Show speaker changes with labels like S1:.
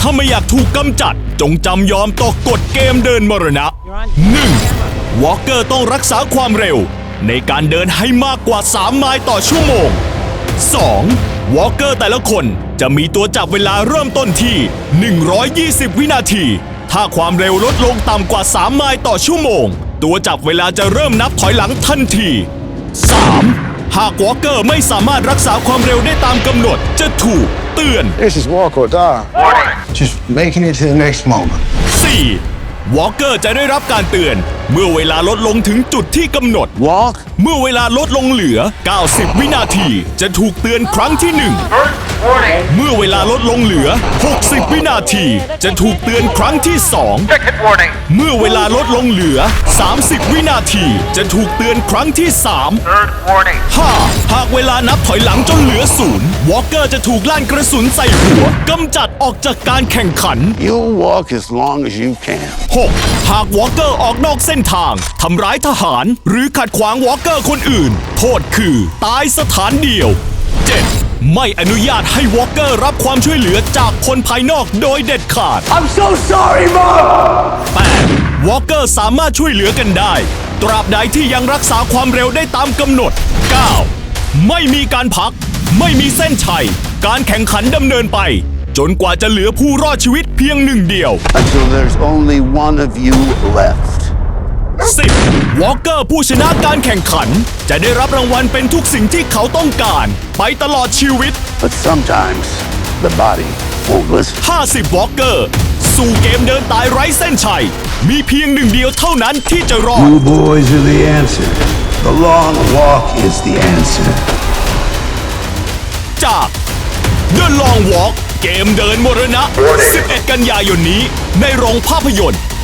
S1: าไม่อยากถูกกำจัดจงจำยอมต่อกฎเกมเดินมรณะ 1. วอล์กเกอร์ต้องรักษาความเร็วในการเดินให้มากกว่า3ไมล์ต่อชั่วโมง 2. วอล์กเกอร์แต่ละคนจะมีตัวจับเวลาเริ่มต้นที่120 วินาทีถ้าความเร็วลดลงต่ำกว่า3ไมล์ต่อชั่วโมงตัวจับเวลาจะเริ่มนับถอยหลังทันที 3. หากวอล์กเกอร์ไม่สามารถรักษาความเร็วได้ตามกำหนดจะถูกเตือน
S2: This is walk or die. Just making it to the next moment.
S1: 4. วอล์กเกอร์จะได้รับการเตือนเมื่อเวลาลดลงถึงจุดที่กำหนด
S2: Walk.
S1: เมื่อเวลาลดลงเหลือ 90 วินาทีจะถูกเตือนครั้งที่ 1 เมื่อเวลาลดลงเหลือ 60 วินาทีจะถูกเตือนครั้งที่ 2 เมื่อเวลาลดลงเหลือ 30 วินาทีจะถูกเตือนครั้งที่ 3 5. หากเวลานับถอยหลังจนเหลือ0วอล์กเกอร์จะถูกลั่นกระสุนใส่หัวกำจัดออกจากการแข่งขัน
S2: You'll walk as long as you can.
S1: 6. หากวอล์กเกอร์ออกนอกเส้นทางทำร้ายทหารหรือขัดขวางวอล์กเกอร์คนอื่น โทษคือตายสถานเดียว 7. ไม่อนุญาตให้วอล์กเกอร์รับความช่วยเหลือจากคนภายนอกโดยเด็ดขาด
S2: I'm so sorry, Mom!
S1: 8. วอล์กเกอร์สามารถช่วยเหลือกันได้ ตราบใดที่ยังรักษาความเร็วได้ตามกำหนด 9. ไม่มีการพัก ไม่มีเส้นชัย การแข่งขันดำเนินไป จนกว่าจะเหลือผู้รอดชีวิตเพียงหนึ่งเดียว
S2: Until there's only one of you left.
S1: 10. วอล์กเกอร์ผู้ชนะการแข่งขัน จะได้รับรางวัลเป็นทุกสิ่งที่เขาต้องการ ไปตลอดชีวิต
S2: But sometimes the body won't listen.
S1: 50 วอล์กเกอร์สู่เกมเดินตายไร้เส้นชัย มีเพียงหนึ่งเดียวเท่านั้นที่จะรอด
S2: You boys are the answer. The long walk is the answer.
S1: จาก The Long Walk เกมเดินมรณะ 11 กันยายนนี้ในโรงภาพยนตร์